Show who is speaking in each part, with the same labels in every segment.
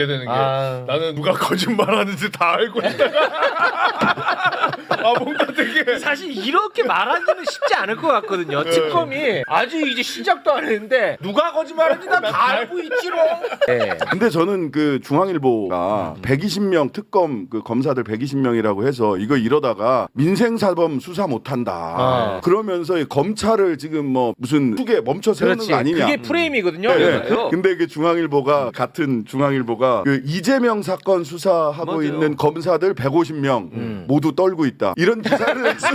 Speaker 1: 되는 게 나는 누가 거짓말하는지 다 알고 있다가 뭔가 되게
Speaker 2: 사실 이렇게 말하기는 쉽지 않을 것 같거든요. 특검이 아직 이제 시작도 안 했는데 누가 거짓말하는지 나 다 알고 있지롱. 네.
Speaker 3: 근데 저는 그 중앙일보가 120명 특검 그 검사들 120명이라고 해서 이거 이러다가 민생사범 수사 못한다. 그러면서 이 검찰을 지금 뭐 무슨 축에 멈춰 세우는
Speaker 2: 그렇지.
Speaker 3: 거 아니냐.
Speaker 2: 그게 프레임이거든요.
Speaker 3: 네. 근데 그 중앙일보가 같은 중앙일보가 그 이재명 사건 수사하고
Speaker 4: 맞아요.
Speaker 3: 있는 검사들 150명 모두 떨고 있다. 이런 기사를 냈어요.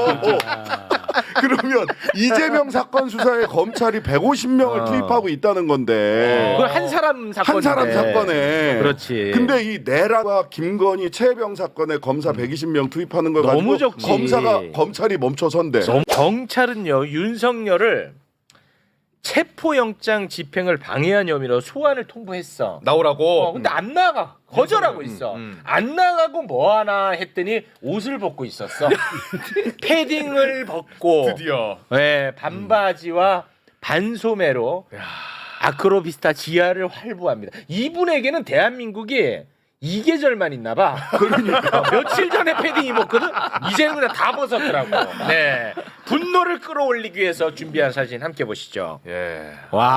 Speaker 3: 그러면 이재명 사건 수사에 검찰이 150명을 투입하고 있다는 건데
Speaker 2: 그건 한 사람 사건인데.
Speaker 3: 한 사람 사건에.
Speaker 2: 그렇지.
Speaker 3: 근데 이 내란과 김건희 최혜병 사건에 검사 120명 투입하는 걸
Speaker 2: 너무
Speaker 3: 가지고
Speaker 2: 적지.
Speaker 3: 검찰이 멈춰선대.
Speaker 2: 경찰은요 윤석열을 체포영장 집행을 방해한 혐의로 소환을 통보했어.
Speaker 1: 나오라고.
Speaker 2: 근데 안 나가. 거절하고 있어. 안 나가고 뭐 하나 했더니 옷을 벗고 있었어. 패딩을 벗고
Speaker 1: 드디어.
Speaker 2: 네, 반바지와 반소매로 아크로비스타 지하를 활보합니다. 이분에게는 대한민국이 이 계절만 있나 봐. 그러니까 며칠 전에 패딩 입었거든. 이제는 그냥 다 벗었더라고. 네. 분노를 끌어올리기 위해서 준비한 사진 함께 보시죠.
Speaker 1: 예.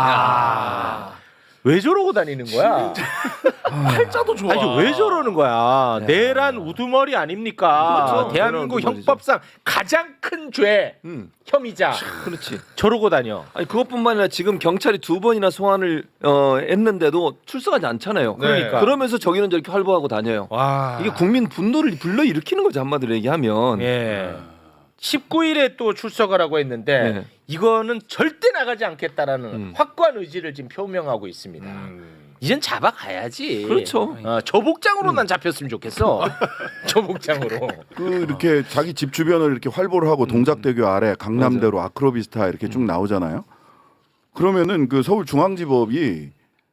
Speaker 2: 와. 왜 저러고 다니는 거야?
Speaker 1: 팔자도 좋아.
Speaker 2: 아니 왜 저러는 거야? 내란 우두머리 아닙니까?
Speaker 4: 그렇죠.
Speaker 2: 대한민국
Speaker 4: 내란 우두머리죠.
Speaker 2: 형법상 가장 큰 죄 혐의자.
Speaker 4: 그렇지.
Speaker 2: 저러고 다녀.
Speaker 4: 아니 그것뿐만 아니라 지금 경찰이 2번이나 소환을 했는데도 출석하지 않잖아요.
Speaker 2: 그러니까.
Speaker 4: 그러면서 저기는 저렇게 활보하고 다녀요.
Speaker 2: 와.
Speaker 4: 이게 국민 분노를 불러 일으키는 거죠 한마디로 얘기하면.
Speaker 2: 예. 19일에 또 출석하라고 했는데
Speaker 4: 네.
Speaker 2: 이거는 절대 나가지 않겠다라는 확고한 의지를 지금 표명하고 있습니다. 이젠 잡아가야지.
Speaker 4: 그렇죠.
Speaker 2: 저 복장으로만 잡혔으면 좋겠어. 저 복장으로.
Speaker 3: 그 이렇게 자기 집 주변을 이렇게 활보를 하고 동작대교 아래 강남대로 아크로비스타 이렇게 쭉 나오잖아요. 그러면은 그 서울중앙지법이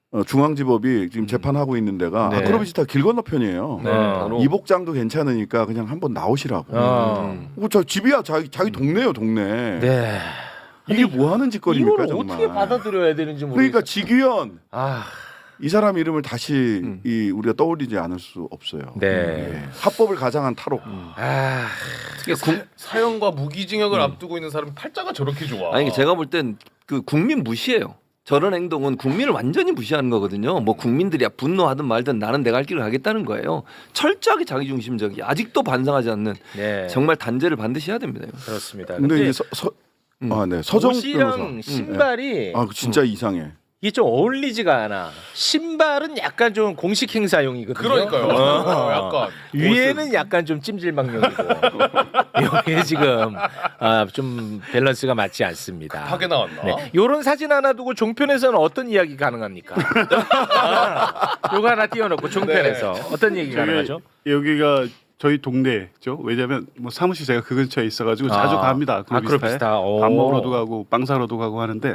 Speaker 3: 지금 재판하고 있는 데가
Speaker 2: 네.
Speaker 3: 아크로비스타 길 건너편이에요.
Speaker 4: 네, 바로.
Speaker 3: 이 복장도 괜찮으니까 그냥 한번 나오시라고. 저 집이야 자기 동네요 동네.
Speaker 2: 네.
Speaker 3: 이게 뭐 하는 짓거리입니까
Speaker 2: 이걸
Speaker 3: 정말.
Speaker 2: 어떻게 받아들여야 되는지 모르겠어.
Speaker 3: 그러니까 지규현
Speaker 2: 아,
Speaker 3: 이 사람 이름을 다시 우리가 떠올리지 않을 수 없어요.
Speaker 2: 네.
Speaker 3: 예. 합법을 가장한 탈옥.
Speaker 2: 아,
Speaker 1: 사형과 무기징역을 앞두고 있는 사람이 팔자가 저렇게 좋아.
Speaker 4: 아니 제가 볼 땐 그 국민 무시해요. 저런 행동은 국민을 완전히 무시하는 거거든요. 뭐 국민들이 분노하든 말든 나는 내가 할 길을 가겠다는 거예요. 철저하게 자기중심적이 아직도 반성하지 않는
Speaker 2: 네.
Speaker 4: 정말 단죄를 반드시 해야 됩니다. 이거.
Speaker 2: 그렇습니다.
Speaker 3: 근데 이제 서정욱
Speaker 2: 옷이랑
Speaker 3: 변호사.
Speaker 2: 신발이
Speaker 3: 진짜 이상해.
Speaker 2: 이게 좀 어울리지가 않아. 신발은 약간 좀 공식 행사용이거든요.
Speaker 1: 그러니까요. 약간
Speaker 2: 위에는 약간 좀 찜질방용이고 여기 지금 좀 밸런스가 맞지 않습니다.
Speaker 1: 하게 나왔나?
Speaker 2: 네. 요런 사진 하나 두고 종편에서는 어떤 이야기 가능합니까? 요거 하나 띄워놓고 종편에서 어떤 얘기 가능하죠?
Speaker 5: 여기가 저희 동네죠. 왜냐하면 뭐 사무실 제가 그 근처에 있어가지고 자주 갑니다.
Speaker 2: 아크로비스타. 오.
Speaker 5: 밥 먹으러도 가고 빵 사러도 가고 하는데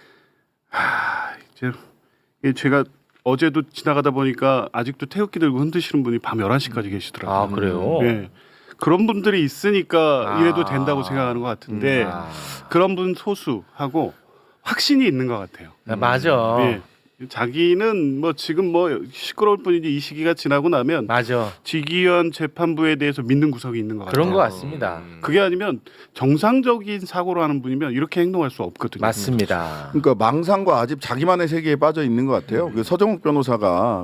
Speaker 5: 이제 이게 제가 어제도 지나가다 보니까 아직도 태극기 들고 흔드시는 분이 밤 11시까지 계시더라고요.
Speaker 2: 아 그래요?
Speaker 5: 예. 그런 분들이 있으니까 이래도 된다고 생각하는 것 같은데 그런 분 소수하고 확신이 있는 것 같아요.
Speaker 2: 맞아.
Speaker 5: 예. 자기는 뭐 지금 뭐 시끄러울 뿐이지 이 시기가 지나고 나면
Speaker 2: 맞아.
Speaker 5: 지기현 재판부에 대해서 믿는 구석이 있는 것 같아요.
Speaker 2: 그런 것 같습니다.
Speaker 5: 그게 아니면 정상적인 사고로 하는 분이면 이렇게 행동할 수 없거든요.
Speaker 2: 맞습니다.
Speaker 3: 그러니까 망상과 아직 자기만의 세계에 빠져 있는 것 같아요. 그 서정욱 변호사가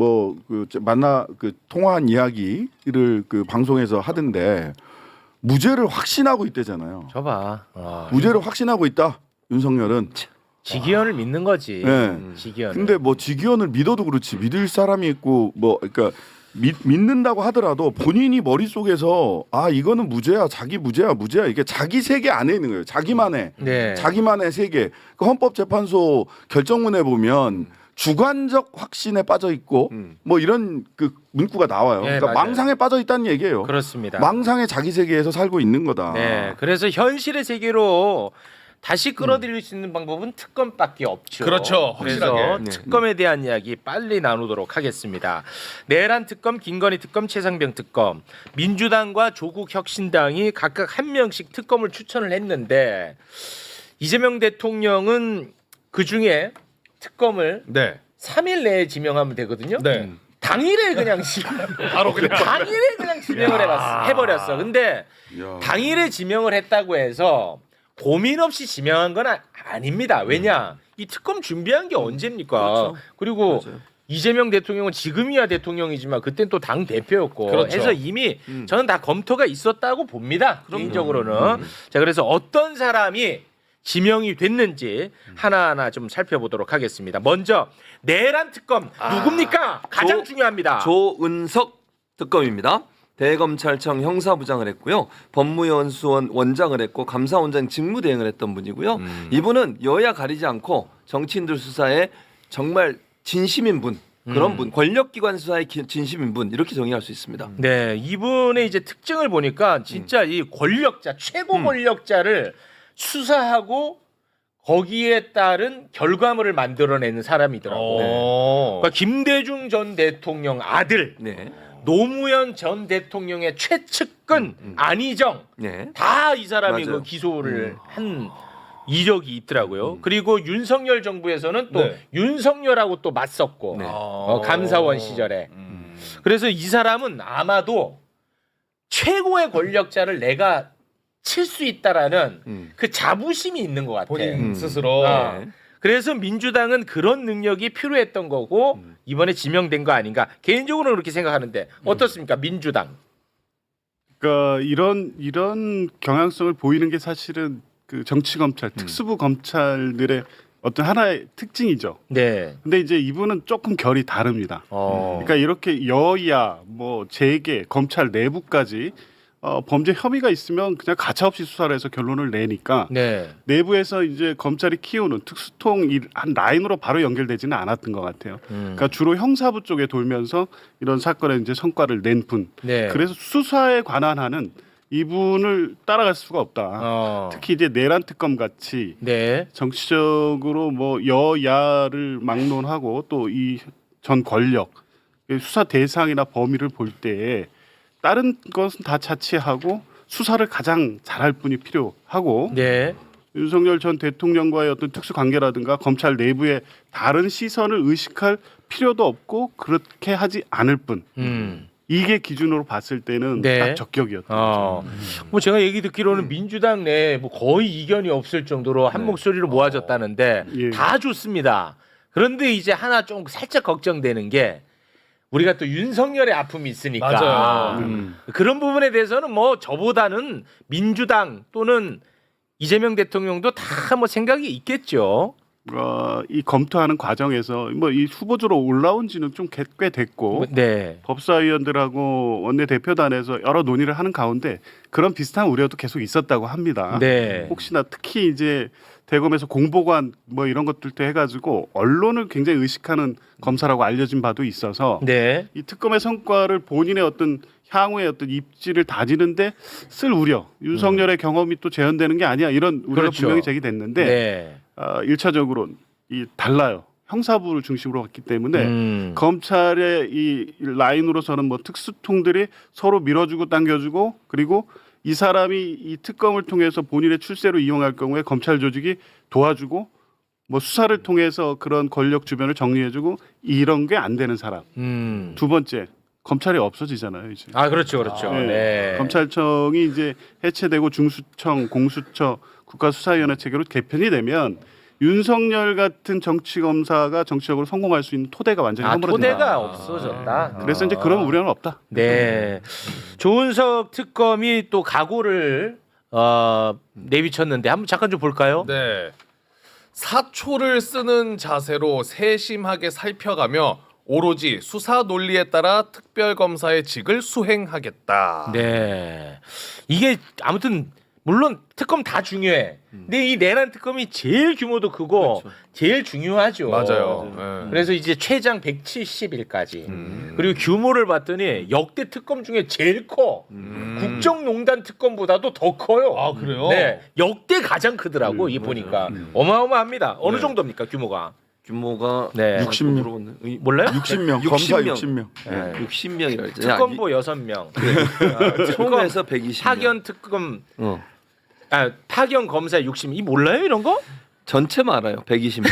Speaker 3: 통화한 이야기를 그 방송에서 하던데 무죄를 확신하고 있대잖아요.
Speaker 2: 저봐.
Speaker 3: 무죄를 확신하고 있다. 윤석열은.
Speaker 2: 지기현을 믿는 거지.
Speaker 3: 네.
Speaker 2: 지기현.
Speaker 3: 근데 뭐 지기현을 믿어도 그렇지 믿을 사람이 있고 그러니까 믿는다고 하더라도 본인이 머릿속에서 이거는 무죄야 자기 무죄야 이게 자기 세계 안에 있는 거예요. 자기만의
Speaker 2: 네.
Speaker 3: 자기만의 세계. 그 헌법재판소 결정문에 보면 주관적 확신에 빠져 있고 뭐 이런 그 문구가 나와요.
Speaker 2: 네,
Speaker 3: 그러니까
Speaker 2: 맞아요.
Speaker 3: 망상에 빠져 있다는 얘기예요.
Speaker 2: 그렇습니다.
Speaker 3: 망상의 자기 세계에서 살고 있는 거다.
Speaker 2: 네. 그래서 현실의 세계로 다시 끌어들일 수 있는 방법은 특검밖에 없죠.
Speaker 1: 그렇죠.
Speaker 2: 그래서
Speaker 1: 확실하게.
Speaker 2: 특검에 대한 이야기 빨리 나누도록 하겠습니다. 내란 특검, 김건희 특검, 최상병 특검, 민주당과 조국 혁신당이 각각 한 명씩 특검을 추천을 했는데 이재명 대통령은 그 중에 특검을
Speaker 1: 네.
Speaker 2: 3일 내에 지명하면 되거든요.
Speaker 1: 네.
Speaker 2: 당일에 그냥
Speaker 1: 바로 그냥
Speaker 2: 당일에 그냥 지명을 해버렸어. 근데
Speaker 3: 야.
Speaker 2: 당일에 지명을 했다고 해서 고민 없이 지명한 건 아닙니다. 왜냐? 이 특검 준비한 게 언제입니까?
Speaker 4: 그렇죠.
Speaker 2: 그리고
Speaker 4: 맞아요.
Speaker 2: 이재명 대통령은 지금이야 대통령이지만 그땐 또 당 대표였고
Speaker 1: 그렇죠.
Speaker 2: 해서 이미 저는 다 검토가 있었다고 봅니다. 개인적으로는. 자, 그래서 어떤 사람이 지명이 됐는지 하나하나 좀 살펴보도록 하겠습니다. 먼저 내란 특검 누굽니까? 가장 중요합니다.
Speaker 4: 조은석 특검입니다. 대검찰청 형사부장을 했고요. 법무연수원 원장을 했고 감사원장 직무대행을 했던 분이고요. 이분은 여야 가리지 않고 정치인들 수사에 정말 진심인 분, 그런 분, 권력기관 수사의 진심인 분 이렇게 정의할 수 있습니다.
Speaker 2: 네, 이분의 이제 특징을 보니까 진짜 이 권력자, 최고 권력자를 수사하고 거기에 따른 결과물을 만들어내는 사람이더라고. 그러니까 김대중 전 대통령 아들,
Speaker 4: 네,
Speaker 2: 노무현 전 대통령의 최측근 안희정,
Speaker 4: 네,
Speaker 2: 다 이 사람이
Speaker 4: 맞아요.
Speaker 2: 그 기소를 한 이력이 있더라고요. 그리고 윤석열 정부에서는 또
Speaker 1: 네.
Speaker 2: 윤석열하고 또 맞섰고
Speaker 4: 네.
Speaker 2: 감사원 시절에. 그래서 이 사람은 아마도 최고의 권력자를 내가 칠 수 있다라는 그 자부심이 있는 것 같아.
Speaker 1: 본인 스스로
Speaker 2: 아. 그래서 민주당은 그런 능력이 필요했던 거고 이번에 지명된 거 아닌가. 개인적으로는 그렇게 생각하는데 어떻습니까, 민주당?
Speaker 5: 그러니까 이런 경향성을 보이는 게 사실은 그 정치 검찰, 특수부 검찰들의 어떤 하나의 특징이죠.
Speaker 2: 네.
Speaker 5: 근데 이제 이분은 조금 결이 다릅니다. 그러니까 이렇게 여야, 뭐 재계, 검찰 내부까지 범죄 혐의가 있으면 그냥 가차없이 수사를 해서 결론을 내니까
Speaker 2: 네.
Speaker 5: 내부에서 이제 검찰이 키우는 특수통 한 라인으로 바로 연결되지는 않았던 것 같아요. 그러니까 주로 형사부 쪽에 돌면서 이런 사건에 이제 성과를 낸 분.
Speaker 2: 네.
Speaker 5: 그래서 수사에 관한 한은 이분을 따라갈 수가 없다. 특히 이제 내란 특검 같이
Speaker 2: 네.
Speaker 5: 정치적으로 뭐 여야를 막론하고 또 이 전 권력 수사 대상이나 범위를 볼 때에 다른 것은 다 차치하고 수사를 가장 잘할 분이 필요하고
Speaker 2: 네.
Speaker 5: 윤석열 전 대통령과의 어떤 특수 관계라든가 검찰 내부의 다른 시선을 의식할 필요도 없고 그렇게 하지 않을 뿐. 이게 기준으로 봤을 때는
Speaker 2: 네.
Speaker 5: 딱 적격이었던 거죠.
Speaker 2: 뭐 제가 얘기 듣기로는 민주당 내에 뭐 거의 이견이 없을 정도로 한 목소리로 모아졌다는데
Speaker 5: 예.
Speaker 2: 다 좋습니다. 그런데 이제 하나 좀 살짝 걱정되는 게 우리가 또 윤석열의 아픔이 있으니까
Speaker 1: 맞아요.
Speaker 2: 그런 부분에 대해서는 뭐 저보다는 민주당 또는 이재명 대통령도 다 뭐 생각이 있겠죠.
Speaker 5: 이 검토하는 과정에서 뭐 이 후보자로 올라온 지는 좀 꽤 됐고
Speaker 2: 네.
Speaker 5: 법사위원들하고 원내대표단에서 여러 논의를 하는 가운데 그런 비슷한 우려도 계속 있었다고 합니다.
Speaker 2: 네.
Speaker 5: 혹시나 특히 이제 대검에서 공보관 뭐 이런 것들도 해가지고 언론을 굉장히 의식하는 검사라고 알려진 바도 있어서
Speaker 2: 네.
Speaker 5: 이 특검의 성과를 본인의 어떤 향후의 어떤 입지를 다지는데 쓸 우려, 윤석열의 경험이 또 재현되는 게 아니야 이런 우려가
Speaker 2: 그렇죠.
Speaker 5: 분명히 제기됐는데
Speaker 2: 네.
Speaker 5: 1차적으로 이 달라요. 형사부를 중심으로 갔기 때문에 검찰의 이 라인으로서는 뭐 특수통들이 서로 밀어주고 당겨주고 그리고 이 사람이 이 특검을 통해서 본인의 출세로 이용할 경우에 검찰 조직이 도와주고 뭐 수사를 통해서 그런 권력 주변을 정리해주고 이런 게 안 되는 사람. 두 번째 검찰이 없어지잖아요 이제.
Speaker 2: 아 그렇죠, 그렇죠.
Speaker 5: 네.
Speaker 2: 네.
Speaker 5: 검찰청이 이제 해체되고 중수청, 공수처, 국가수사위원회 체계로 개편이 되면 윤석열 같은 정치 검사가 정치적으로 성공할 수 있는 토대가 완전히 허물어진다.
Speaker 2: 토대가 없어졌다.
Speaker 5: 그래서 이제 그런 우려는 없다.
Speaker 2: 네. 조은석 특검이 또 각오를 내비쳤는데 한번 잠깐 좀 볼까요?
Speaker 1: 네. 사초를 쓰는 자세로 세심하게 살펴가며 오로지 수사 논리에 따라 특별검사의 직을 수행하겠다.
Speaker 2: 네. 이게 아무튼 물론 특검 다 중요해. 근데 이 내란 특검이 제일 규모도 크고 제일 중요하죠.
Speaker 1: 맞아요. 네.
Speaker 2: 그래서 이제 최장 170일까지. 그리고 규모를 봤더니 역대 특검 중에 제일 커. 국정농단 특검보다도 더 커요.
Speaker 1: 아, 그래요?
Speaker 2: 네. 역대 가장 크더라고. 이 보니까. 어마어마합니다. 어느
Speaker 1: 네.
Speaker 2: 정도입니까, 규모가?
Speaker 4: 규모가
Speaker 2: 네.
Speaker 3: 60명.
Speaker 2: 몰라요?
Speaker 3: 60명, 검사 60명.
Speaker 4: 네. 60명이라 했죠.
Speaker 2: 특검보 6명.
Speaker 4: 총에서 120명.
Speaker 2: 파견 특검 파견 검사 60. 이 몰라요 이런 거?
Speaker 4: 전체만 알아요. 120명.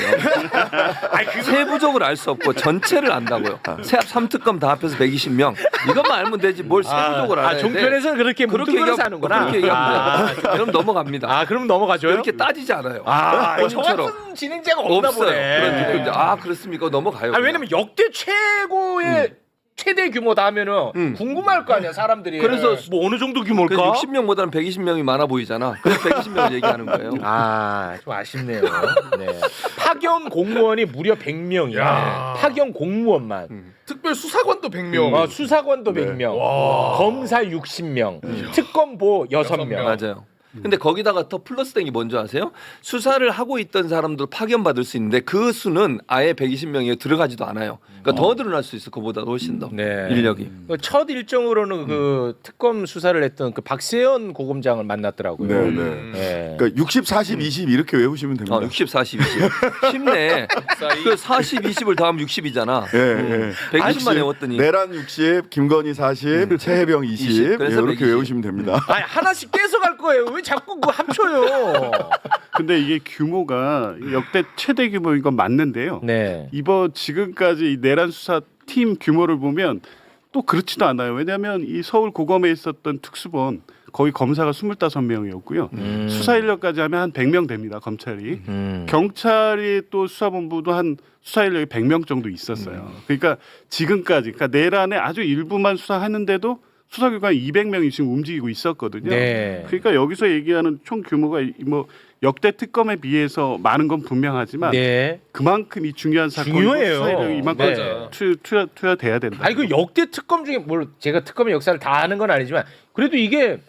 Speaker 4: 세부적으로 알 수 없고 전체를 안다고요. 세합 3특검 다 합해서 120명. 이것만 알면 되지 뭘 세부적으로 알아야 돼.
Speaker 2: 종편에서는 그렇게 뭉뚱그려서 하는구나.
Speaker 4: 그렇게 얘기하면 돼요. 그럼 넘어갑니다.
Speaker 2: 아, 그럼 넘어가줘요?
Speaker 4: 이렇게 따지지 않아요.
Speaker 2: 정확한 진행자가 없나
Speaker 4: 없어요.
Speaker 2: 보네.
Speaker 4: 그런데 그렇습니까? 넘어가요.
Speaker 2: 아, 왜냐면 역대 최고의 최대 규모다 하면은 궁금할 거 아니야 사람들이.
Speaker 4: 그래서
Speaker 2: 뭐 어느 정도 규모일까?
Speaker 4: 그래서 60명보다는 120명이 많아 보이잖아. 그래서 120명을 얘기하는 거예요.
Speaker 2: 좀 아쉽네요. 네. 파견 공무원이 무려 100명이야. 파견 공무원만.
Speaker 1: 특별 수사관도 100명.
Speaker 2: 수사관도 100명. 검사 60명. 특검보 6명.
Speaker 4: 맞아요. 근데 거기다가 더 플러스 된 게 뭔지 아세요? 수사를 하고 있던 사람들 파견받을 수 있는데 그 수는 아예 120명에 들어가지도 않아요. 그러니까 더 늘어날 수 있어. 그보다 훨씬 더
Speaker 2: 네.
Speaker 4: 인력이.
Speaker 2: 첫 일정으로는 그 특검 수사를 했던 그 박세현 고검장을 만났더라고요.
Speaker 3: 네.
Speaker 2: 네.
Speaker 3: 그러니까 60, 40, 20 이렇게 외우시면 됩니다.
Speaker 4: 60, 40, 20. 쉽네. 그 40, 20을 더하면 60이잖아.
Speaker 3: 예.
Speaker 4: 120만 외웠더니.
Speaker 3: 내란 60, 김건희 40, 최혜병 20.
Speaker 4: 그래서
Speaker 3: 이렇게
Speaker 4: 120.
Speaker 3: 외우시면 됩니다.
Speaker 2: 아니, 하나씩 떼서 갈 거예요. 왜 자꾸 그 합쳐요?
Speaker 5: 근데 이게 규모가 역대 최대 규모인 건 맞는데요.
Speaker 2: 네.
Speaker 5: 이번 지금까지 이 내란 수사 팀 규모를 보면 또 그렇지도 않아요. 왜냐하면 이 서울 고검에 있었던 특수본 거의 검사가 25명이었고요. 수사 인력까지 하면 한 100명 됩니다. 검찰이. 경찰이 또 수사본부도 한 수사 인력이 100명 정도 있었어요. 그러니까 지금까지 그러니까 내란의 아주 일부만 수사하는데도 수사기관 200명이 지금 움직이고 있었거든요.
Speaker 2: 네.
Speaker 5: 그러니까 여기서 얘기하는 총 규모가 뭐 역대 특검에 비해서 많은 건 분명하지만
Speaker 2: 네.
Speaker 5: 그만큼 이 중요한 사건이고
Speaker 2: 중요해요.
Speaker 5: 수사인력이 이만큼
Speaker 2: 네.
Speaker 5: 투여돼야 된다.
Speaker 2: 아니 그 역대 특검 중에 뭘 제가 특검의 역사를 다 아는 건 아니지만 그래도 이게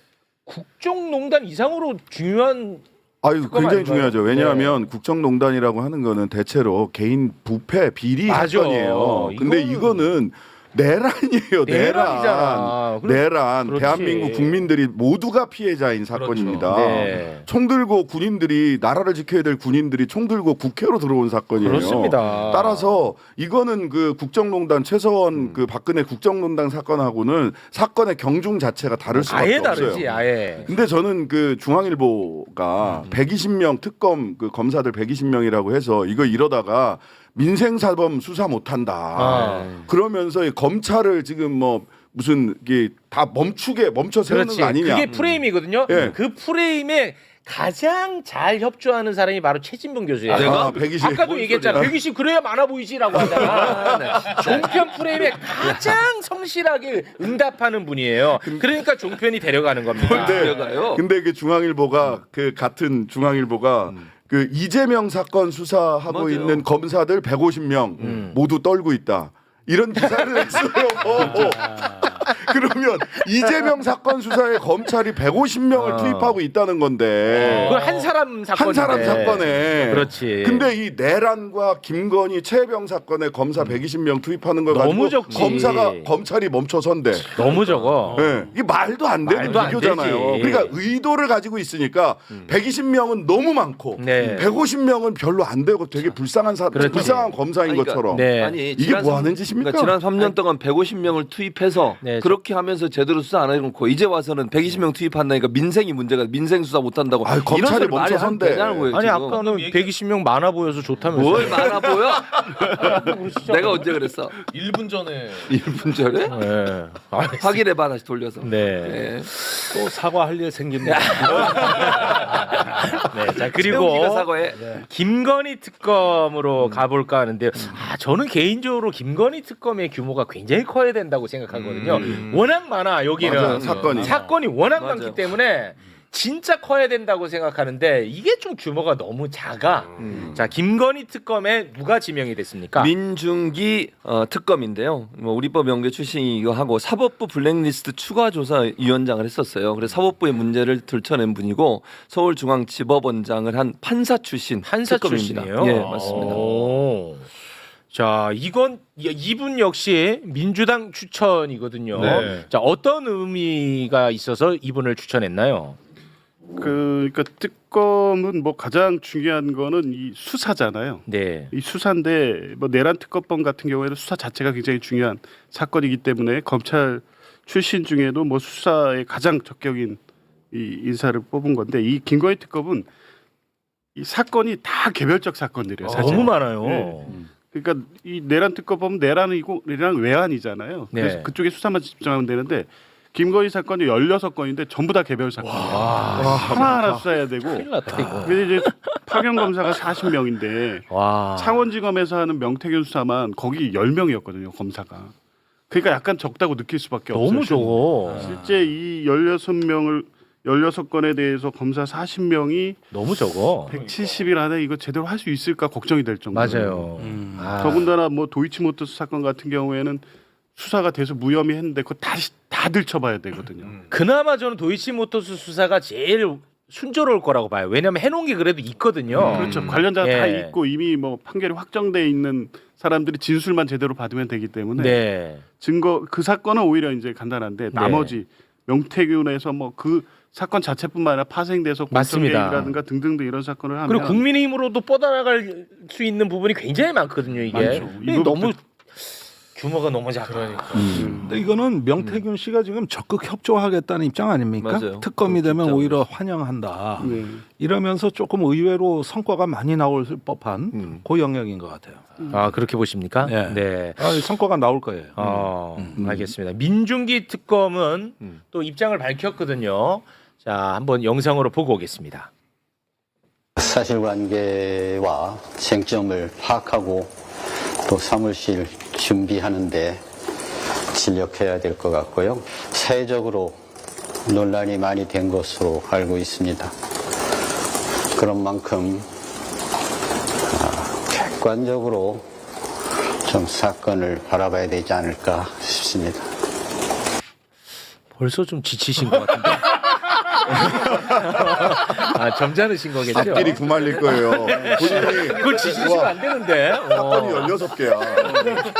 Speaker 2: 국정농단 이상으로 중요한
Speaker 3: 아유,
Speaker 2: 특검
Speaker 3: 굉장히
Speaker 2: 아닌가요?
Speaker 3: 중요하죠. 왜냐하면 국정농단이라고 하는 거는 대체로 개인 부패 비리
Speaker 2: 맞아.
Speaker 3: 사건이에요. 근데 이거는 내란이에요.
Speaker 2: 내란이잖아.
Speaker 3: 내란.
Speaker 2: 그렇지.
Speaker 3: 대한민국 국민들이 모두가 피해자인 사건입니다.
Speaker 2: 네.
Speaker 3: 총 들고 군인들이 나라를 지켜야 될 군인들이 총 들고 국회로 들어온 사건이에요.
Speaker 2: 그렇습니다.
Speaker 3: 따라서 이거는 그 국정농단 최서원 그 박근혜 국정농단 사건하고는 사건의 경중 자체가 다를 수밖에
Speaker 2: 아예
Speaker 3: 없어요.
Speaker 2: 다르지, 아예.
Speaker 3: 근데 저는 그 중앙일보가 120명 특검 그 검사들 120명이라고 해서 이거 이러다가 민생사범 수사 못한다. 그러면서 이 검찰을 지금 뭐 무슨 이게 다 멈춰 세우는
Speaker 2: 그렇지.
Speaker 3: 거 아니냐.
Speaker 2: 그게 프레임이거든요.
Speaker 3: 예.
Speaker 2: 그 프레임에 가장 잘 협조하는 사람이 바로 최진봉 교수예요.
Speaker 3: 내가 120.
Speaker 2: 아까도 얘기했잖아. 120 그래야 많아 보이지라고 하잖아. 종편 프레임에 가장 성실하게 응답하는 분이에요. 그러니까 종편이 데려가는 겁니다.
Speaker 4: 데려가요?
Speaker 3: 근데 그 중앙일보가 그 같은 중앙일보가 그 이재명 사건 수사하고
Speaker 4: 맞아요.
Speaker 3: 있는 검사들 150명 모두 떨고 있다. 이런 기사를 했어요. 그러면 이재명 사건 수사에 검찰이 150명을 투입하고 있다는 건데.
Speaker 2: 그건 한 사람 사건인데.
Speaker 3: 한 사람 사건에.
Speaker 2: 그렇지.
Speaker 3: 근데 이 내란과 김건희 최혜병 사건에 검사 120명 투입하는 걸
Speaker 2: 너무
Speaker 3: 가지고
Speaker 2: 적지.
Speaker 3: 검찰이 멈춰선대.
Speaker 2: 너무 적어.
Speaker 3: 네. 이게 말도 안 되는
Speaker 2: 말도 안
Speaker 3: 비교잖아요.
Speaker 2: 되지.
Speaker 3: 그러니까 의도를 가지고 있으니까 120명은 너무 많고
Speaker 2: 네.
Speaker 3: 150명은 별로 안 되고 되게 불쌍한
Speaker 2: 그렇지.
Speaker 3: 불쌍한 검사인
Speaker 4: 그러니까,
Speaker 3: 것처럼.
Speaker 2: 네.
Speaker 4: 아니
Speaker 3: 이게
Speaker 4: 지난
Speaker 3: 뭐
Speaker 4: 삼-
Speaker 3: 하는 짓입니까?
Speaker 4: 그러니까 지난 3년 동안 150명을 투입해서
Speaker 2: 네,
Speaker 4: 그렇게 하면서 제대로 수사 안 해놓고 이제 와서는 120명 투입한다니까 민생이 문제가 민생 수사 못한다고.
Speaker 3: 아이, 검찰이
Speaker 4: 이런 소리 말이 안
Speaker 3: 멈춰선대.
Speaker 4: 되냐고요,
Speaker 2: 아니
Speaker 4: 지금.
Speaker 2: 아까는 120명 많아 보여서 좋다면서.
Speaker 4: 뭘 많아 보여? 내가 언제 그랬어?
Speaker 1: 1분 전에
Speaker 4: 1분 전에?
Speaker 2: 네.
Speaker 4: 확인해봐 다시 돌려서.
Speaker 2: 네.
Speaker 4: 네.
Speaker 6: 또 사과할 일 생깁니다.
Speaker 2: 네. 자 그리고
Speaker 4: 최용기가 사과해.
Speaker 2: 김건희 특검으로 가볼까 하는데 저는 개인적으로 김건희 특검의 규모가 굉장히 커야 된다고 생각하거든요. 워낙 많아 여기는
Speaker 3: 맞아요, 사건이.
Speaker 2: 워낙
Speaker 4: 맞아요.
Speaker 2: 많기 때문에 진짜 커야 된다고 생각하는데 이게 좀 규모가 너무 작아. 자 김건희 특검에 누가 지명이 됐습니까?
Speaker 4: 민중기 특검인데요. 뭐 우리법 연구 출신이기도 하고 사법부 블랙리스트 추가조사위원장을 했었어요. 그래서 사법부의 문제를 들춰낸 분이고 서울중앙지법원장을 한 판사 출신
Speaker 2: 판사
Speaker 4: 특검입니다.
Speaker 2: 출신이에요.
Speaker 4: 예, 맞습니다.
Speaker 2: 오. 자 이분 역시 민주당 추천이거든요.
Speaker 1: 네.
Speaker 2: 자 어떤 의미가 있어서 이분을 추천했나요?
Speaker 5: 그러니까 특검은 뭐 가장 중요한 거는 이 수사잖아요.
Speaker 2: 네.
Speaker 5: 이 수사인데 뭐 내란 특검법 같은 경우에는 수사 자체가 굉장히 중요한 사건이기 때문에 검찰 출신 중에도 뭐 수사에 가장 적격인 이 인사를 뽑은 건데 이 김건희 특검은 이 사건이 다 개별적 사건들이에요. 사실.
Speaker 2: 너무 많아요.
Speaker 5: 네. 그러니까 이 내란 특검 보면 내란이고 내란 외환이잖아요. 그래서
Speaker 2: 네.
Speaker 5: 그쪽에 수사만 집중하면 되는데 김건희 사건이 16건인데 전부 다 개별 사건이에요. 하나하나 수사해야 되고.
Speaker 2: 큰일 났다 이거.
Speaker 5: 그래서 이제 파견 검사가 40명인데
Speaker 2: 와.
Speaker 5: 창원지검에서 하는 명태균 수사만 거기 10명이었거든요, 검사가. 그러니까 약간 적다고 느낄 수밖에 없어요.
Speaker 2: 너무 적어.
Speaker 5: 실제 이 16건에 대해서 검사 40명이
Speaker 2: 너무 적어.
Speaker 5: 170일 안에 이거 제대로 할 수 있을까 걱정이 될 정도로.
Speaker 2: 맞아요. 아.
Speaker 5: 더군다나 뭐 도이치모터스 사건 같은 경우에는 수사가 돼서 무혐의 했는데 그거 다시 다 들춰봐야 되거든요.
Speaker 2: 그나마 저는 도이치모터스 수사가 제일 순조로울 거라고 봐요. 왜냐하면 해놓은 게 그래도 있거든요.
Speaker 5: 그렇죠. 관련자가 다
Speaker 2: 예.
Speaker 5: 있고 이미 뭐 판결이 확정돼 있는 사람들이 진술만 제대로 받으면 되기 때문에
Speaker 2: 네.
Speaker 5: 증거 그 사건은 오히려 이제 간단한데 나머지 명태균에서 뭐 그 사건 자체뿐만 아니라 파생돼서
Speaker 2: 맞습니다.
Speaker 5: 공정개입이라든가 등등등 이런 사건을 하면
Speaker 2: 그리고 국민의힘으로도 뻗어나갈 수 있는 부분이 굉장히 많거든요. 이게
Speaker 5: 많죠.
Speaker 2: 근데
Speaker 5: 이 부분도-
Speaker 2: 너무 규모가 너무 작아.
Speaker 6: 근데 이거는 명태균 씨가 지금 적극 협조하겠다는 입장 아닙니까?
Speaker 4: 맞아요.
Speaker 6: 특검이 되면
Speaker 4: 입장으로.
Speaker 6: 오히려 환영한다.
Speaker 5: 네.
Speaker 6: 이러면서 조금 의외로 성과가 많이 나올 법한 그 영역인 것 같아요.
Speaker 2: 아 그렇게 보십니까?
Speaker 6: 네.
Speaker 2: 네.
Speaker 6: 성과가 나올 거예요.
Speaker 2: 알겠습니다. 민중기 특검은 또 입장을 밝혔거든요. 자, 한번 영상으로 보고 오겠습니다.
Speaker 7: 사실관계와 쟁점을 파악하고 또 사무실 준비하는데 진력해야 될 것 같고요. 사회적으로 논란이 많이 된 것으로 알고 있습니다. 그런 만큼 객관적으로 좀 사건을 바라봐야 되지 않을까 싶습니다.
Speaker 2: 벌써 좀 지치신 것 같은데. 아, 점잖으신 거겠죠?
Speaker 3: 앞길이 구말릴 거예요. 본인이
Speaker 2: 그걸 지치시면 안 되는데.
Speaker 3: 사건이 16개야.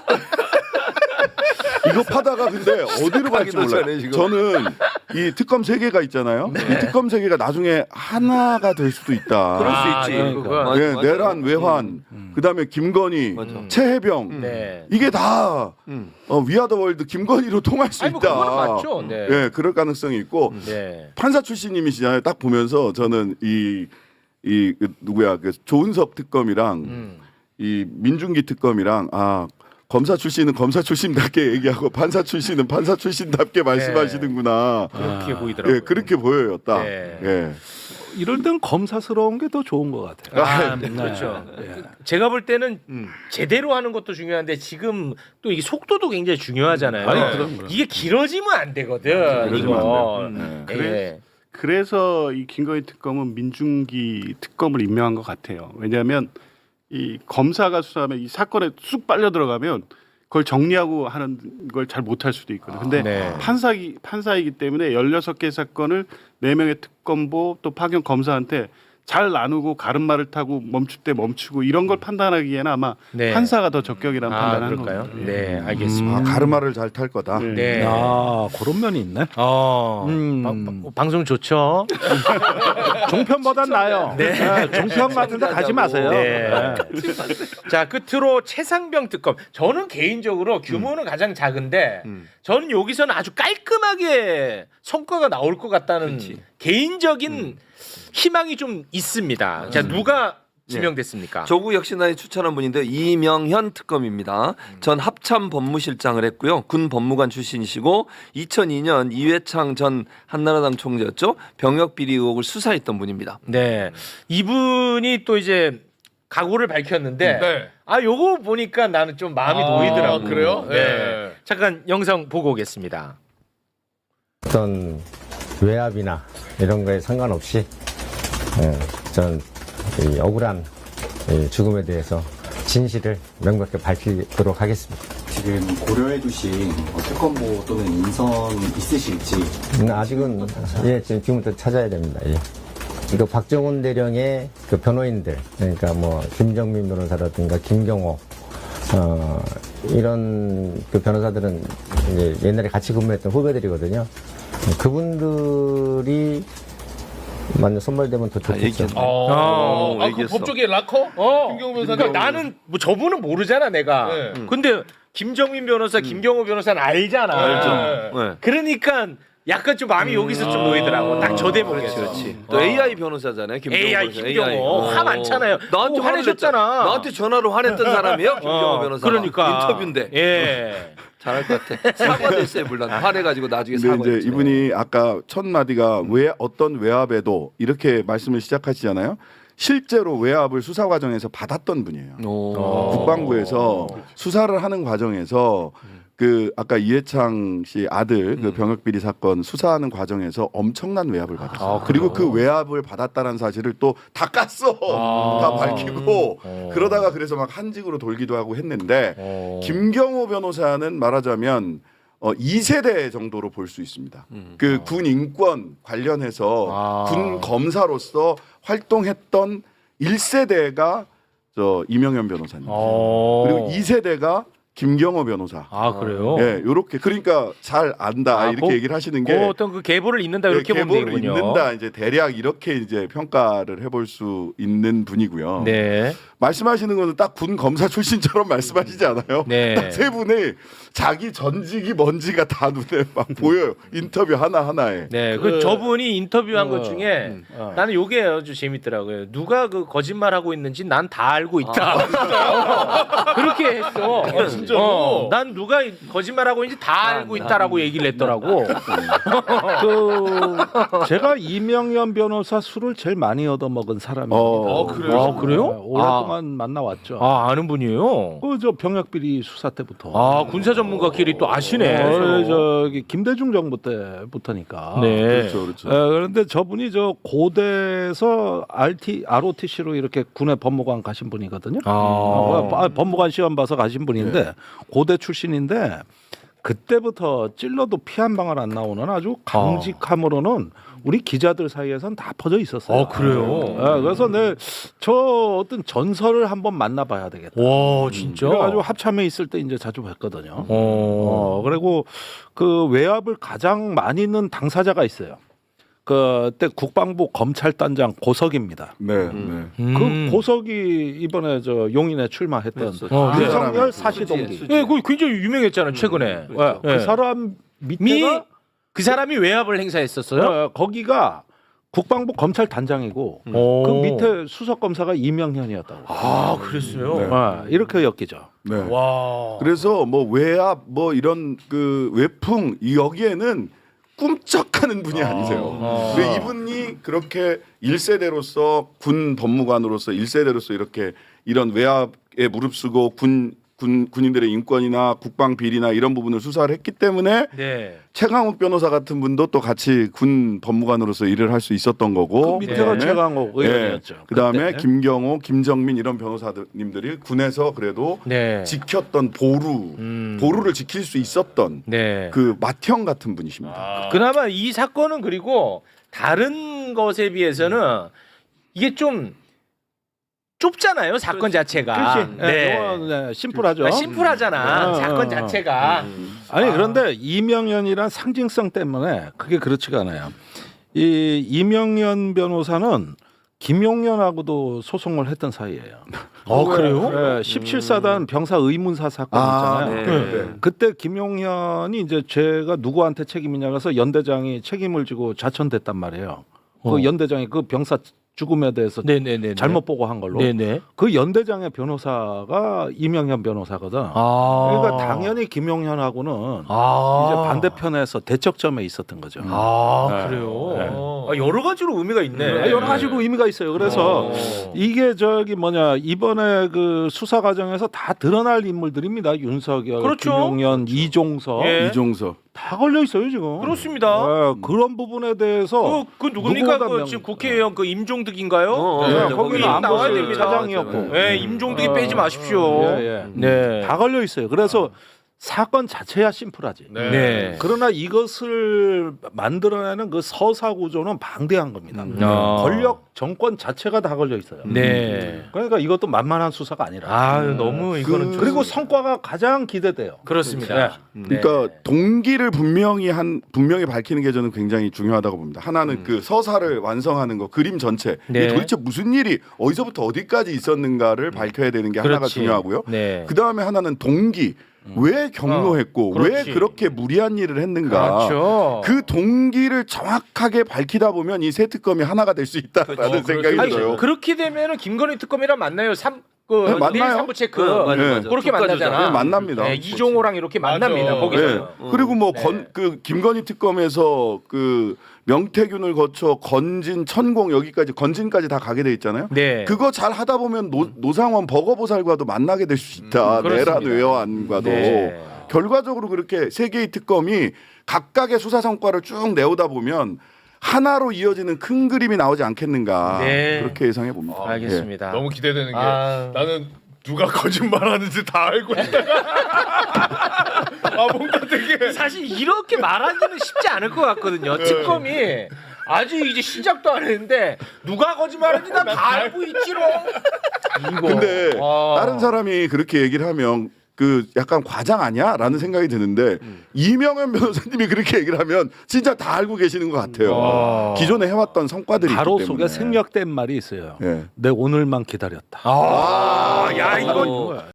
Speaker 3: 이거 파다가 근데 어디로 갈지 몰라요.
Speaker 4: 잘해, 지금.
Speaker 3: 저는 이 특검 3개가 있잖아요. 이 특검 3개가 나중에 하나가 될 수도 있다.
Speaker 4: 그럴 수 있지.
Speaker 2: 그러니까.
Speaker 4: 맞아,
Speaker 3: 예,
Speaker 4: 맞아.
Speaker 3: 내란, 외환, 그다음에 김건희,
Speaker 4: 맞아.
Speaker 3: 최혜병
Speaker 2: 네.
Speaker 3: 이게 다 위아더 월드 김건희로 통할 수
Speaker 2: 아니, 뭐
Speaker 3: 있다.
Speaker 2: 그거는 맞죠. 네.
Speaker 3: 예, 그럴 가능성이 있고
Speaker 2: 네.
Speaker 3: 판사 출신님이시잖아요. 딱 보면서 저는 그 누구야 그 조은석 특검이랑 이 민중기 특검이랑 검사 출신은 검사 출신답게 얘기하고 판사 출신은 판사 출신답게 말씀하시는구나.
Speaker 2: 그렇게 보이더라고요.
Speaker 3: 예, 그렇게 보여요, 딱.
Speaker 2: 네.
Speaker 3: 예.
Speaker 6: 이럴 땐 검사스러운 게 더 좋은 것 같아요.
Speaker 2: 아, 그렇죠. 제가 볼 때는 제대로 하는 것도 중요한데 지금 또 이게 속도도 굉장히 중요하잖아요.
Speaker 6: 아니, 그럼.
Speaker 2: 이게 길어지면 안 되거든.
Speaker 3: 길어지면
Speaker 2: 이거.
Speaker 3: 안
Speaker 2: 예.
Speaker 5: 그래서 이 김건희 특검은 민중기 특검을 임명한 것 같아요. 왜냐하면 이 검사가 수사하면 이 사건에 쑥 빨려 들어가면 그걸 정리하고 하는 걸 잘 못할 수도 있거든요. 근데
Speaker 2: 네.
Speaker 5: 판사이기 때문에 16개 사건을 4명의 특검보 또 파견 검사한테 잘 나누고 가름말을 타고 멈출 때 멈추고 이런 걸 판단하기에는 아마
Speaker 2: 네.
Speaker 5: 판사가 더 적격이라는 판단을
Speaker 2: 그럴까요?
Speaker 5: 하는 거예요.
Speaker 2: 네, 알겠습니다.
Speaker 3: 가르마를 잘 탈 거다.
Speaker 5: 네.
Speaker 2: 네.
Speaker 6: 그런 면이 있네.
Speaker 2: 방송 좋죠.
Speaker 6: 종편보단 나아요.
Speaker 2: 네.
Speaker 6: 종편 같은 데 가지 마세요.
Speaker 2: 네.
Speaker 6: 네.
Speaker 2: 자, 끝으로 최상병 특검. 저는 개인적으로 규모는 가장 작은데 저는 여기서는 아주 깔끔하게 성과가 나올 것 같다는 개인적인 희망이 좀 있습니다. 자, 누가 지명됐습니까?
Speaker 4: 조국 혁신안이 추천한 분인데 이명현 특검입니다. 전 합참 법무실장을 했고요. 군 법무관 출신이시고 2002년 이회창 전 한나라당 총재였죠. 병역 비리 의혹을 수사했던 분입니다.
Speaker 2: 네. 이분이 또 이제 각오를 밝혔는데
Speaker 1: 네.
Speaker 2: 요거 보니까 나는 좀 마음이 놓이더라고요.
Speaker 1: 그래요?
Speaker 2: 네.
Speaker 1: 네.
Speaker 2: 잠깐 영상 보고 오겠습니다.
Speaker 8: 어떤 외압이나 이런 거에 상관없이 전 이 억울한 이 죽음에 대해서 진실을 명백히 밝히도록 하겠습니다.
Speaker 9: 지금 고려해 두신 특검보 또는 인선 있으실지
Speaker 8: 아직은 지금부터 찾아야 됩니다. 예. 이거 박정훈 대령의 그 변호인들, 그러니까 뭐 김정민 변호사라든가 김경호 이런 그 변호사들은 이제 옛날에 같이 근무했던 후배들이거든요. 그분들이 만약 선발되면 더 좋겠죠.
Speaker 2: 그
Speaker 4: 얘기했어.
Speaker 2: 법조계 락커?
Speaker 1: 김경호 변호사님.
Speaker 2: 그러니까 나는 뭐 저분은 모르잖아 내가.
Speaker 1: 네.
Speaker 2: 근데 김정민 변호사, 김경호 변호사는 알잖아.
Speaker 4: 알죠. 네.
Speaker 2: 그러니까 약간 좀 마음이 여기서 좀 놓이더라고. 딱 저 대목에서.
Speaker 4: 그렇지. 또 AI 변호사잖아요. 김경호
Speaker 2: AI
Speaker 4: 변호사.
Speaker 2: 김경호 화 많잖아요.
Speaker 4: 나한테
Speaker 2: 화내셨잖아.
Speaker 4: 나한테 전화로 화냈던 사람이에요. 김경호 변호사.
Speaker 2: 그러니까
Speaker 4: 인터뷰인데.
Speaker 2: 예.
Speaker 4: 잘할 것 같아. 사과됐어요 물론. 화내가지고 나중에
Speaker 3: 근데
Speaker 4: 사과했죠.
Speaker 3: 이제 이분이 아까 첫 마디가 왜 어떤 외압에도 이렇게 말씀을 시작하시잖아요. 실제로 외압을 수사 과정에서 받았던 분이에요. 국방부에서 수사를 하는 과정에서 그 아까 이해창 씨 아들 그 병역 비리 사건 수사하는 과정에서 엄청난 외압을 받았어요. 그리고 그 외압을 받았다는 사실을 또 다 깠어. 다 밝히고 그러다가 그래서 막 한직으로 돌기도 하고 했는데 김경호 변호사는 말하자면 2세대 정도로 볼 수 있습니다. 그 군 인권 관련해서 군 검사로서 활동했던 1세대가 저 이명현 변호사님. 그리고 2세대가 김경호 변호사.
Speaker 2: 아 그래요?
Speaker 3: 예, 요렇게 그러니까 잘 안다 이렇게 얘기를 하시는 게
Speaker 2: 어떤 그 계보를 잇는다 이렇게 보면
Speaker 3: 계보를
Speaker 2: 되군요.
Speaker 3: 잇는다 이제 대략 이렇게 이제 평가를 해볼 수 있는 분이고요.
Speaker 2: 네.
Speaker 3: 말씀하시는 거는 딱 군 검사 출신처럼 말씀하시지 않아요?
Speaker 2: 네.
Speaker 3: 딱 세 분이 자기 전직이 뭔지가 다 눈에 막 보여요. 인터뷰 하나 하나에.
Speaker 2: 네, 그 저분이 인터뷰한 것 중에 나는 요게 아주 재밌더라고요. 누가 그 거짓말하고 있는지 난 다 알고 있다. 그렇게 했어.
Speaker 1: 진짜로?
Speaker 2: 난 누가 거짓말하고 있는지 다 알고 있다라고 얘기를 했더라고.
Speaker 6: 그 제가 이명현 변호사 술을 제일 많이 얻어먹은 사람입니다.
Speaker 1: 그래요?
Speaker 2: 아, 그래요?
Speaker 6: 네, 오랫동안 만나왔죠.
Speaker 2: 아, 아는 분이에요?
Speaker 6: 그 저 병역비리 수사 때부터.
Speaker 2: 아, 군사 전문가끼리 또 아시네.
Speaker 6: 저기 김대중 정부 때부터니까.
Speaker 2: 네.
Speaker 3: 그렇죠, 그렇죠.
Speaker 6: 그런데 저분이 저 고대에서 ROTC로 이렇게 군의 법무관 가신 분이거든요. 법무관 시험 봐서 가신 분인데 고대 출신인데 그때부터 찔러도 피 한 방울 안 나오는 아주 강직함으로는 우리 기자들 사이에선 다 퍼져 있었어요.
Speaker 2: 그래요?
Speaker 6: 그래서 저 어떤 전설을 한번 만나봐야 되겠다.
Speaker 2: 와, 진짜?
Speaker 6: 그래가지고 합참에 있을 때 이제 자주 뵀거든요. 그리고 그 외압을 가장 많이 있는 당사자가 있어요. 그때 국방부 검찰단장 고석입니다.
Speaker 3: 네, 네.
Speaker 6: 그 고석이 이번에 저 용인에 출마했던 윤석열 사시동기.
Speaker 2: 예, 그 굉장히 유명했잖아 최근에.
Speaker 6: 그 사람 밑에가
Speaker 2: 그 사람이 외압을 행사했었어요.
Speaker 6: 거기가 국방부 검찰단장이고 그 밑에 수석 검사가 이명현이었다고.
Speaker 2: 아, 그랬어요.
Speaker 6: 이렇게 엮이죠.
Speaker 3: 네.
Speaker 2: 와.
Speaker 3: 그래서 뭐 외압 뭐 이런 그 외풍 여기에는 꿈쩍하는 분이 아니세요. 근데 이분이 그렇게 1세대로서 군 법무관으로서 1세대로서 이렇게 이런 외압에 무릅쓰고 군인들의 인권이나 국방 비리나 이런 부분을 수사를 했기 때문에
Speaker 2: 네.
Speaker 3: 최강욱 변호사 같은 분도 또 같이 군 법무관으로서 일을 할 수 있었던 거고.
Speaker 6: 그 밑에가
Speaker 3: 그다음에
Speaker 6: 최강욱 의원이었죠.
Speaker 3: 그다음에
Speaker 6: 그때.
Speaker 3: 김경호, 김정민 이런 변호사님들이 군에서 그래도
Speaker 2: 네.
Speaker 3: 지켰던 보루를 지킬 수 있었던
Speaker 2: 네.
Speaker 3: 그 맏형 같은 분이십니다.
Speaker 2: 그나마 이 사건은 그리고 다른 것에 비해서는 이게 좀 좁잖아요, 사건 자체가.
Speaker 6: 그렇지. 네. 심플하죠.
Speaker 2: 심플하잖아, 사건 자체가.
Speaker 6: 아니 그런데 이명현이란 상징성 때문에 그게 그렇지가 않아요. 이 이명현 변호사는 김용현하고도 소송을 했던 사이예요.
Speaker 2: 그래요?
Speaker 6: 네, 17사단 병사 의문사 사건 있잖아요.
Speaker 4: 네.
Speaker 6: 그때 김용현이 이제 제가 누구한테 책임이냐 그래서 연대장이 책임을 지고 자천됐단 말이에요. 그 연대장이 그 병사 죽음에 대해서
Speaker 2: 네네네.
Speaker 6: 잘못 보고 한 걸로.
Speaker 2: 네네.
Speaker 6: 그 연대장의 변호사가 이명현 변호사거든. 그러니까 당연히 김용현하고는 이제 반대편에서 대척점에 있었던 거죠.
Speaker 2: 그래요. 여러 가지로 의미가 있네.
Speaker 6: 여러 가지로 의미가 있어요. 그래서 이게 이번에 그 수사 과정에서 다 드러날 인물들입니다. 윤석열,
Speaker 2: 그렇죠.
Speaker 6: 김용현, 이종석
Speaker 2: 예.
Speaker 3: 이종석.
Speaker 6: 다 걸려 있어요 지금.
Speaker 2: 그렇습니다.
Speaker 6: 그런 부분에 대해서
Speaker 2: 그 누굽니까?
Speaker 6: 누구가
Speaker 2: 지금 국회의원 그 임종득인가요?
Speaker 6: 거기는
Speaker 2: 거기 나와야
Speaker 6: 안보실
Speaker 2: 됩니다.
Speaker 6: 차장이었고.
Speaker 2: 네, 임종득이 빼지 마십시오. 네.
Speaker 6: 다 걸려 있어요. 그래서 사건 자체야 심플하지.
Speaker 2: 네.
Speaker 6: 그러나 이것을 만들어내는 그 서사 구조는 방대한 겁니다. 권력 정권 자체가 다 걸려 있어요.
Speaker 2: 네.
Speaker 6: 그러니까 이것도 만만한 수사가 아니라.
Speaker 2: 너무 이거는 좀
Speaker 6: 그리고 성과가 가장 기대돼요.
Speaker 2: 그렇습니다.
Speaker 3: 그러니까 동기를 분명히 밝히는 게 저는 굉장히 중요하다고 봅니다. 하나는 그 서사를 완성하는 거, 그림 전체.
Speaker 2: 네.
Speaker 3: 이게 도대체 무슨 일이 어디서부터 어디까지 있었는가를 밝혀야 되는 게 하나가
Speaker 2: 그렇지.
Speaker 3: 중요하고요.
Speaker 2: 네.
Speaker 3: 그 다음에 하나는 동기. 왜 경로했고 왜
Speaker 2: 그렇지.
Speaker 3: 그렇게 무리한 일을 했는가
Speaker 2: 그렇죠.
Speaker 3: 그 동기를 정확하게 밝히다 보면 이 새 특검이 하나가 될 수 있다라는 생각이
Speaker 2: 아니,
Speaker 3: 들어요.
Speaker 2: 그렇게 되면은 김건희 특검이랑 만나요.
Speaker 3: 네, 만나요.
Speaker 2: 내일 3부 체크
Speaker 4: 맞아,
Speaker 3: 네.
Speaker 4: 맞아.
Speaker 2: 그렇게
Speaker 4: 국가
Speaker 2: 만나잖아.
Speaker 3: 조작. 네, 만납니다.
Speaker 2: 네, 이종호랑 이렇게 만납니다.
Speaker 1: 맞아.
Speaker 2: 거기서.
Speaker 3: 네. 그리고 뭐
Speaker 2: 네.
Speaker 3: 그 김건희 특검에서 그 명태균을 거쳐 건진, 천공 여기까지 건진까지 다 가게 돼 있잖아요.
Speaker 2: 네.
Speaker 3: 그거 잘 하다 보면 노상원 버거보살과도 만나게 될 수 있다. 내란
Speaker 2: 그렇습니다.
Speaker 3: 외환과도
Speaker 2: 네.
Speaker 3: 결과적으로 그렇게 세 개의 특검이 각각의 수사 성과를 쭉 내오다 보면 하나로 이어지는 큰 그림이 나오지 않겠는가
Speaker 2: 네.
Speaker 3: 그렇게 예상해 봅니다.
Speaker 2: 알겠습니다.
Speaker 1: 너무 기대되는 게
Speaker 2: 아.
Speaker 1: 나는 누가 거짓말하는지 다 알고 있다가 뭔가 되게
Speaker 2: 사실 이렇게 말하기는 쉽지 않을 것 같거든요. 특검이 아직 이제 시작도 안 했는데 누가 거짓말하는지 나 다 알고 있지롱. 이거.
Speaker 3: 근데 다른 사람이 그렇게 얘기를 하면 그 약간 과장 아니야?라는 생각이 드는데 이명현 변호사님이 그렇게 얘기를 하면 진짜 다 알고 계시는 것 같아요. 기존에 해왔던 성과들이
Speaker 6: 가로
Speaker 3: 있기 때문에.
Speaker 6: 속에 생략된 말이 있어요.
Speaker 3: 예.
Speaker 6: 내 오늘만 기다렸다.
Speaker 2: 야 이거